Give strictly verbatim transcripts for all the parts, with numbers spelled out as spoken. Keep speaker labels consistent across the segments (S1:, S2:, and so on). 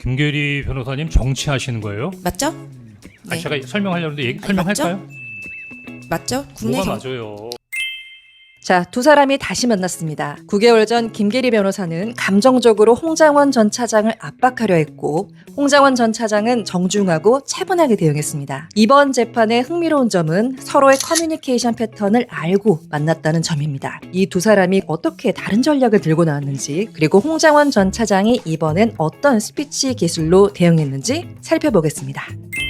S1: 김계리 변호사님 정치하시는 거예요?
S2: 맞죠?
S1: 아,
S2: 네.
S1: 제가 설명하려는데 얘기,
S2: 아니,
S1: 설명할까요?
S2: 맞죠? 국내
S1: 뭐가
S2: 경...
S1: 맞아요?
S3: 자, 두 사람이 다시 만났습니다. 구 개월 전 김계리 변호사는 감정적으로 홍장원 전 차장을 압박하려 했고, 홍장원 전 차장은 정중하고 차분하게 대응했습니다. 이번 재판의 흥미로운 점은 서로의 커뮤니케이션 패턴을 알고 만났다는 점입니다. 이 두 사람이 어떻게 다른 전략을 들고 나왔는지, 그리고 홍장원 전 차장이 이번엔 어떤 스피치 기술로 대응했는지 살펴보겠습니다.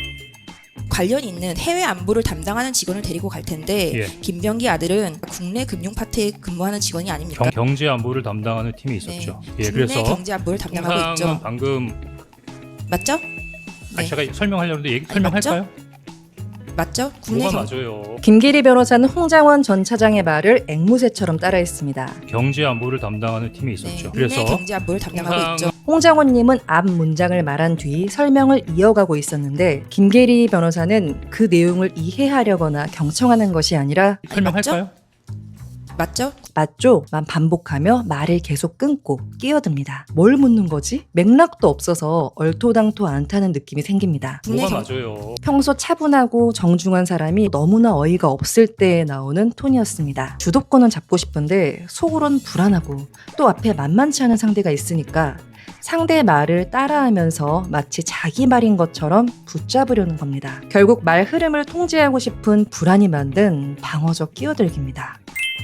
S2: 관련 있는 해외 안보를 담당하는 직원을 데리고 갈 텐데
S1: 예.
S2: 김병기 아들은 국내 금융 파트에 근무하는 직원이 아닙니까?
S1: 경, 경제 안보를 담당하는 팀이 있었죠.
S2: 네.
S1: 예,
S2: 국내
S1: 그래서
S2: 경제 안보를 담당하고
S1: 홍상은
S2: 있죠.
S1: 방금
S2: 맞죠?
S1: 아,
S2: 네.
S1: 제가 설명하려는데 얘기,
S2: 아니,
S1: 설명할까요?
S2: 맞죠? 국내
S1: 뭐가
S2: 경...
S1: 맞아요?
S3: 김계리 변호사는 홍장원 전 차장의 말을 앵무새처럼 따라했습니다.
S1: 경제 안보를 담당하는 팀이 있었죠.
S2: 네. 국내
S1: 그래서
S2: 경제 안보를 담당하고
S1: 홍상-
S2: 있죠.
S3: 홍장원님은 앞 문장을 말한 뒤 설명을 이어가고 있었는데, 김계리 변호사는 그 내용을 이해하려거나 경청하는 것이 아니라
S1: 설명할까요?
S2: 맞죠?
S3: 맞죠? 만 반복하며 말을 계속 끊고 끼어듭니다. 뭘 묻는 거지? 맥락도 없어서 얼토당토 않다는 느낌이 생깁니다.
S2: 국내
S1: 뭐가
S2: 경...
S1: 맞아요?
S3: 평소 차분하고 정중한 사람이 너무나 어이가 없을 때 나오는 톤이었습니다. 주도권은 잡고 싶은데 속으론 불안하고 또 앞에 만만치 않은 상대가 있으니까 상대의 말을 따라하면서 마치 자기 말인 것처럼 붙잡으려는 겁니다. 결국 말 흐름을 통제하고 싶은 불안이 만든 방어적 끼어들기입니다.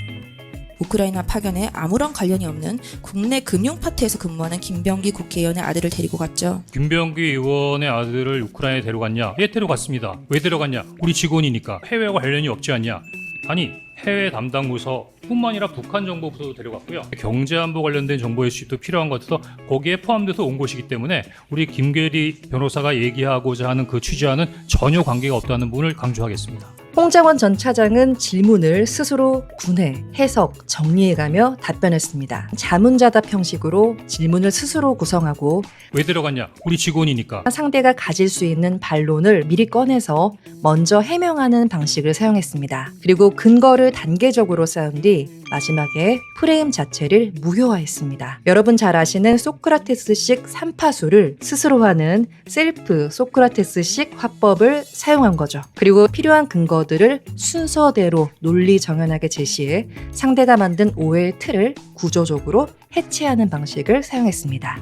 S2: 우크라이나 파견에 아무런 관련이 없는 국내 금융 파트에서 근무하는 김병기 국회의원의 아들을 데리고 갔죠.
S1: 김병기 의원의 아들을 우크라이나에 데려갔냐? 예, 데려갔습니다. 왜 데려갔냐? 우리 직원이니까. 해외와 관련이 없지 않냐? 아니, 해외 담당 부서 뿐만 아니라 북한 정보부서도 데려갔고요. 경제안보 관련된 정보의 수집도 필요한 것 같아서 거기에 포함돼서 온 곳이기 때문에 우리 김계리 변호사가 얘기하고자 하는 그 취지와는 전혀 관계가 없다는 부분을 강조하겠습니다.
S3: 홍장원 전 차장은 질문을 스스로 분해, 해석, 정리해가며 답변했습니다. 자문자답 형식으로 질문을 스스로 구성하고
S1: 왜 데려갔냐? 우리 직원이니까.
S3: 상대가 가질 수 있는 반론을 미리 꺼내서 먼저 해명하는 방식을 사용했습니다. 그리고 근거를 단계적으로 쌓은 뒤 마지막에 프레임 자체를 무효화했습니다. 여러분 잘 아시는 소크라테스식 삼파수를 스스로 하는 셀프 소크라테스식 화법을 사용한 거죠. 그리고 필요한 근거들을 순서대로 논리 정연하게 제시해 상대가 만든 오해의 틀을 구조적으로 해체하는 방식을 사용했습니다.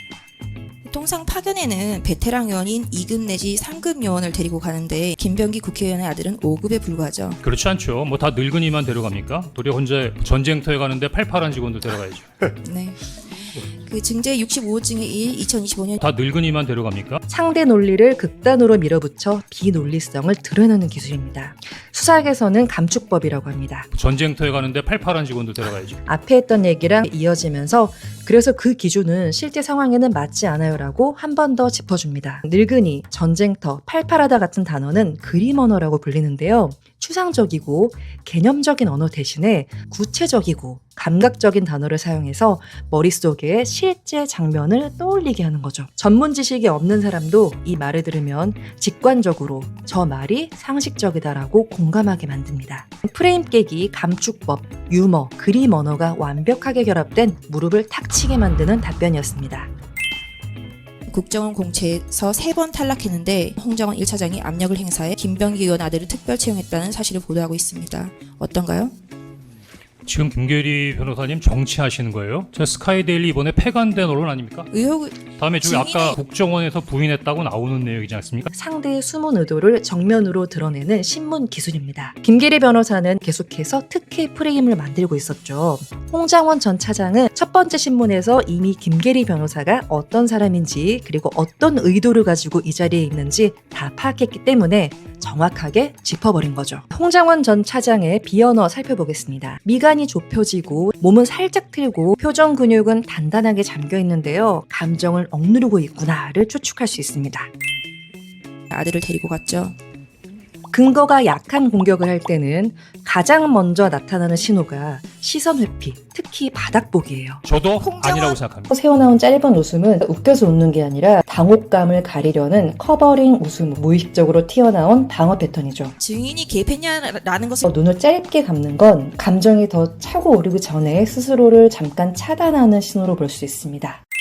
S2: 통상 파견에는 베테랑 요원인 이 급 내지 삼 급 요원을 데리고 가는데 김병기 국회의원의 아들은 오 급에 불과하죠.
S1: 그렇지 않죠. 뭐 다 늙은이만 데려갑니까? 도리어 혼자 전쟁터에 가는데 팔팔한 직원들 데려가야죠.
S2: 네. 그 증제 육십오 호 중의 일, 이천이십오 년
S1: 다 늙은이만 데려갑니까?
S3: 상대 논리를 극단으로 밀어붙여 비논리성을 드러내는 기술입니다. 수사학에서는 감축법이라고 합니다.
S1: 전쟁터에 가는데 팔팔한 직원들 데려가야죠.
S3: 앞에 했던 얘기랑 이어지면서 그래서 그 기준은 실제 상황에는 맞지 않아요 라고 한 번 더 짚어줍니다. 늙은이, 전쟁터, 팔팔하다 같은 단어는 그림 언어라고 불리는데요. 추상적이고 개념적인 언어 대신에 구체적이고 감각적인 단어를 사용해서 머릿속에 실제 장면을 떠올리게 하는 거죠. 전문 지식이 없는 사람도 이 말을 들으면 직관적으로 저 말이 상식적이다라고 공감하게 만듭니다. 프레임 깨기, 감축법, 유머, 그림 언어가 완벽하게 결합된 무릎을 탁 치게 만드는 답변이었습니다.
S2: 국정원 공채에서 세 번 탈락했는데 홍장원 일 차장이 압력을 행사해 김병기 의원 아들을 특별 채용했다는 사실을 보도하고 있습니다. 어떤가요?
S1: 지금 김계리 변호사님 정치하시는 거예요? 저 스카이데일리 이번에 폐간된 언론 아닙니까?
S2: 의혹
S1: 다음에 저기 아까
S2: 증인의-
S1: 국정원에서 부인했다고 나오는 내용이지 않습니까?
S3: 상대의 숨은 의도를 정면으로 드러내는 신문 기술입니다. 김계리 변호사는 계속해서 특혜 프레임을 만들고 있었죠. 홍장원 전 차장은 첫 번째 신문에서 이미 김계리 변호사가 어떤 사람인지 그리고 어떤 의도를 가지고 이 자리에 있는지 다 파악했기 때문에 정확하게 짚어버린 거죠. 홍장원 전 차장의 비언어 살펴보겠습니다. 미간이 좁혀지고 몸은 살짝 틀고 표정 근육은 단단하게 잠겨 있는데요. 감정을 억누르고 있구나를 추측할 수 있습니다.
S2: 아들을 데리고 갔죠.
S3: 근거가 약한 공격을 할 때는 가장 먼저 나타나는 신호가 시선 회피, 특히 바닥보기예요.
S1: 저도
S2: 홍장원-
S1: 아니라고 생각합니다.
S3: 새어나온 짧은 웃음은 웃겨서 웃는 게 아니라 당혹감을 가리려는 커버링 웃음, 무의식적으로 튀어나온 방어 패턴이죠.
S2: 증인이 개입했냐라는 것을
S3: 어, 눈을 짧게 감는 건 감정이 더 차고 오르기 전에 스스로를 잠깐 차단하는 신호로 볼 수 있습니다.